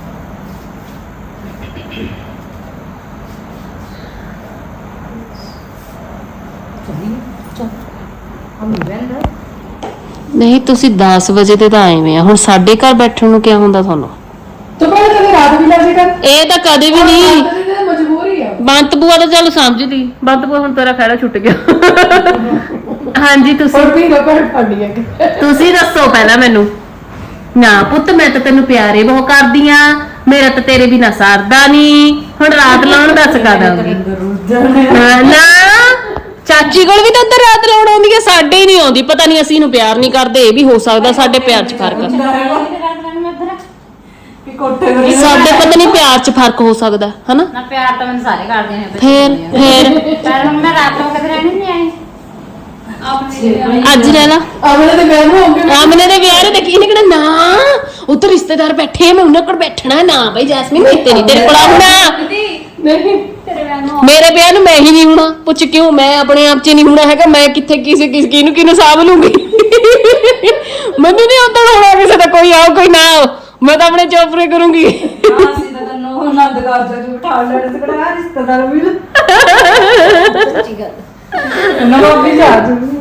[SPEAKER 2] ਚਲੀ ਚਲ ਹਮੀ ਬੰਦਾ
[SPEAKER 1] ਨਹੀਂ ਤੁਸੀਂ ਦਸ ਵਜੇ ਤੇ ਤਾਂ ਆਏ ਵੇ ਆ ਹੁਣ ਸਾਡੇ ਘਰ ਬੈਠਣ ਨੂੰ ਕਿਆ ਹੁੰਦਾ ਤੁਹਾਨੂੰ
[SPEAKER 3] ਤੂੰ ਪਹਿਲਾਂ ਕਦੇ ਰਾਤ ਵੀ ਲੱਗੇ ਕਰ
[SPEAKER 1] ਇਹ ਤਾਂ ਕਦੇ ਵੀ ਨਹੀਂ
[SPEAKER 3] ਮਜਬੂਰੀ ਆ
[SPEAKER 1] ਬੰਤ ਬੂਆ ਤਾਂ ਚੱਲ ਸਮਝਦੀ ਬੰਤ ਬੂਆ ਹੁਣ ਤੇਰਾ ਖਹਿੜਾ ਛੁੱਟ ਗਿਆ ਹਾਂਜੀ ਤੁਸੀਂ
[SPEAKER 3] ਹੋਰ ਵੀ ਰੋਕੜ ਫੜਨੀ ਹੈ
[SPEAKER 1] ਤੁਸੀਂ ਦੱਸੋ ਪਹਿਲਾਂ ਮੈਨੂੰ ਨਾ ਪੁੱਤ ਮੈਂ ਤਾਂ ਤੈਨੂੰ ਪਿਆਰੇ ਬਹੁਤ ਕਰਦੀ ਆ ਮੇਰਾ ਤਾਂ ਤੇਰੇ ਬਿਨਾ ਸਰਦਾ ਨਹੀਂ ਹੁਣ ਰਾਤ ਲਾਉਣ ਦੱਸ ਕਾ ਦਾਂਗੀ ਨਾ ਚਾਚੀ ਕੋਲ ਵੀ ਤਾਂ ਉੱਧਰ ਰਾਤ ਲਾਉਣ ਆਉਂਦੀ ਹੈ ਸਾਡੇ ਹੀ ਨਹੀਂ ਆਉਂਦੀ ਪਤਾ ਨਹੀਂ ਅਸੀਂ ਇਹਨੂੰ ਪਿਆਰ ਨਹੀਂ ਕਰਦੇ ਇਹ ਵੀ ਹੋ ਸਕਦਾ ਸਾਡੇ ਪਿਆਰ 'ਚ ਫਰਕ ਆ ਸਾਡੇ ਪਤਾ ਨਹੀਂ ਪਿਆਰ 'ਚ ਫਰਕ ਹੋ ਸਕਦਾ ਹਨਾ
[SPEAKER 4] ਨਾ ਪਿਆਰ ਤਾਂ ਮੈਨੂੰ ਸਾਰੇ ਕਰਦੇ ਨੇ
[SPEAKER 1] ਫੇਰ ਫੇਰ
[SPEAKER 4] ਪਰ ਹੁਣ ਮੈਂ ਰਾਤ ਨੂੰ ਕਦੇ ਰਹਿਣੀ ਨਹੀਂ ਆਈ
[SPEAKER 1] ਅੱਜ ਲੈ ਲਾ
[SPEAKER 3] ਆਮਲੇ ਦੇ ਵਿਆਹ ਨੂੰ ਹੋਗੇ
[SPEAKER 1] ਆਮਨੇ ਦੇ ਵਿਆਹ ਦੇ ਦੇਖੀ ਇਹਨੇ ਕਿਹੜਾ ਨਾ ਉੱਧਰ ਰਿਸ਼ਤੇਦਾਰ ਬੈਠੇ ਆ, ਮੈਂ ਉਹਨਾਂ ਕੋਲ ਬੈਠਣਾ ਨਾ ਬਈ ਜੈਸਮੀਨ ਕਿਤੇ ਨਹੀਂ ਤੇਰੇ ਕੋਲ ਆਉਣਾ
[SPEAKER 3] ਨਹੀਂ
[SPEAKER 4] ਤੇਰੇ ਵਿਆਹ ਨੂੰ
[SPEAKER 1] ਮੇਰੇ ਵਿਆਹ ਨੂੰ ਮੈਂ ਹੀ ਨਹੀਂ ਹੋਣਾ ਪੁੱਛ ਕਿਉਂ ਮੈਂ ਆਪਣੇ ਆਪ 'ਚ ਨਹੀਂ ਹੋਣਾ ਹੈਗਾ ਮੈਂ ਕਿੱਥੇ ਕਿਸੇ ਕਿਸ ਕਿਹਨੂੰ ਕਿਹਨੂੰ ਸਾਂਭ ਲੂੰਗੀ ਮੈਨੂੰ ਨਹੀਂ ਉੱਧਰ ਹੋਣਾ ਕਿਸੇ ਦਾ ਕੋਈ ਆਓ ਕੋਈ ਨਾ ਆਓ ਮੈਂ ਤਾਂ ਆਪਣੇ ਚੋਪਰੇ ਕਰੂੰਗੀ
[SPEAKER 2] ਅਸੀਂ ਤਾਂ ਤੈਨੂੰ ਆਨੰਦ ਕਾਰਜ ਚ ਬਿਠਾ ਲੈਣੇ ਸੀ ਕਿਹੜਾ ਰਿਸ਼ਤੇਦਾਰ ਵੀ
[SPEAKER 4] ਸੱਚੀ ਗੱਲ
[SPEAKER 3] ਨਾ ਵੀ ਜਾ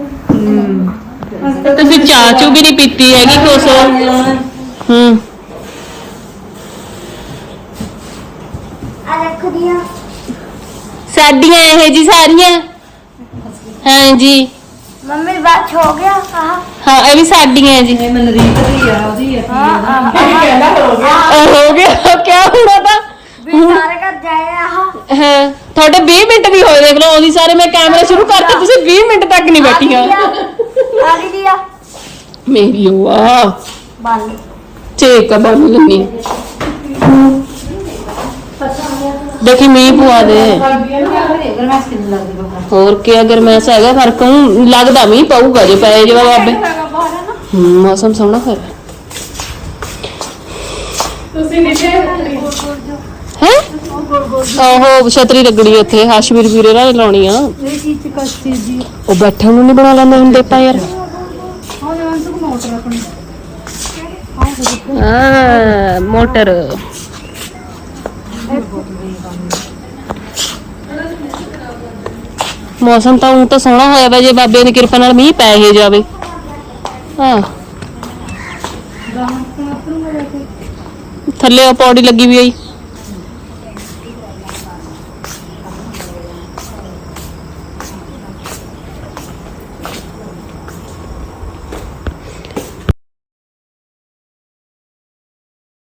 [SPEAKER 1] ਤੁਸੀਂ ਚਾਹ ਚੂ ਵੀ ਨਹੀਂ ਪੀਤੀ ਹੈਗੀ ਕੁਛ ਹੂੰ
[SPEAKER 4] ਆ ਰੱਖ ਦਿਆ
[SPEAKER 1] ਸਾਡੀਆਂ ਇਹ ਜੀ ਸਾਰੀਆਂ ਹਾਂਜੀ
[SPEAKER 4] ਮੰਮੀ ਬਾਤ ਹੋ ਗਿਆ ਆਹ
[SPEAKER 1] ਹਾਂ ਇਹ ਵੀ ਸਾਡੀਆਂ ਜੀ
[SPEAKER 2] ਇਹ ਮਨ ਰੀਤ ਦੀ ਆ ਉਹਦੀ ਆ
[SPEAKER 3] ਕਹਿੰਦਾ ਹੋ ਗਿਆ
[SPEAKER 1] ਉਹ ਹੋ ਗਿਆ ਕਿਆ ਹੋਣਾ ਤਾਂ
[SPEAKER 4] ਵੀ ਸਾਰੇ ਘਰ ਜਾਏ ਆਹ
[SPEAKER 1] ਹਾਂ ਤੁਹਾਡੇ ਵੀਹ ਮਿੰਟ ਵੀ ਹੋਏ ਦੇਖ ਲਓ ਉਹਦੀ ਸਾਰੇ ਮੈਂ ਕੈਮਰਾ ਸ਼ੁਰੂ ਕਰਤਾ ਤੁਸੀਂ ਵੀਹ ਮਿੰਟ ਤੱਕ ਨਹੀਂ ਬੈਠੀਆਂ
[SPEAKER 4] ਆ ਗਈ ਦਿਆ
[SPEAKER 1] ਮੇਰੀ ਵਾਹ
[SPEAKER 4] ਬੰਦ
[SPEAKER 1] ਠੀਕ ਆ ਬਣ ਲੈਣੀ ਦੇਖੀ ਮੀਂਹ ਪਵਾ ਦੇ
[SPEAKER 4] ਗਰਮੈਸ ਕਿੰਨੀ ਲੱਗਦੀ ਬਾਹਰ
[SPEAKER 1] ਹੋਰ ਕੀ ਅਗਰ ਮੈਂ ਹੈਗਾ ਫਰਕ ਨੂੰ ਲੱਗਦਾ ਮੀਂਹ ਪਊਗਾ ਜੇ ਪਏ ਜਵਾ ਬਾਬੇ ਹੂੰ ਮੌਸਮ ਸੋਹਣਾ ਫਿਰ
[SPEAKER 3] ਤੁਸੀਂ ਨੀਚੇ
[SPEAKER 1] ਹੈ ਆਹੋ ਛਤਰੀ ਲੱਗਣੀ ਉੱਥੇ ਹਾਸ਼ਮੀਰ ਵੀਰੇ ਨਾਲ ਲਾਉਣੀ ਆ
[SPEAKER 4] ਇਹ ਚੀਜ਼ ਚ ਕਸਤੀ ਜੀ
[SPEAKER 1] ਉਹ ਬੈਠਣ ਨੂੰ ਨਹੀਂ ਬਣਾ ਲੈਂਦੇ ਹੁੰਦੇ ਆਪਾਂ ਯਾਰ
[SPEAKER 4] ਹਾਂ ਜਵਾਨ ਤੂੰ ਮੋਟਰ ਆਪਣੀ
[SPEAKER 1] ਆ ਮੋਟਰ ਮੌਸਮ ਤਾਂ ਉਹ ਤਾਂ ਸੋਹਣਾ ਹੋਇਆ ਵਾ ਜੇ ਬਾਬੇ ਦੀ ਕਿਰਪਾ ਨਾਲ ਮੀਂਹ ਪੈ ਹੀ ਜਾਵੇ ਹਾਂ ਥੱਲੇ ਉਹ ਪੌੜੀ ਲੱਗੀ ਵੀ ਆਈ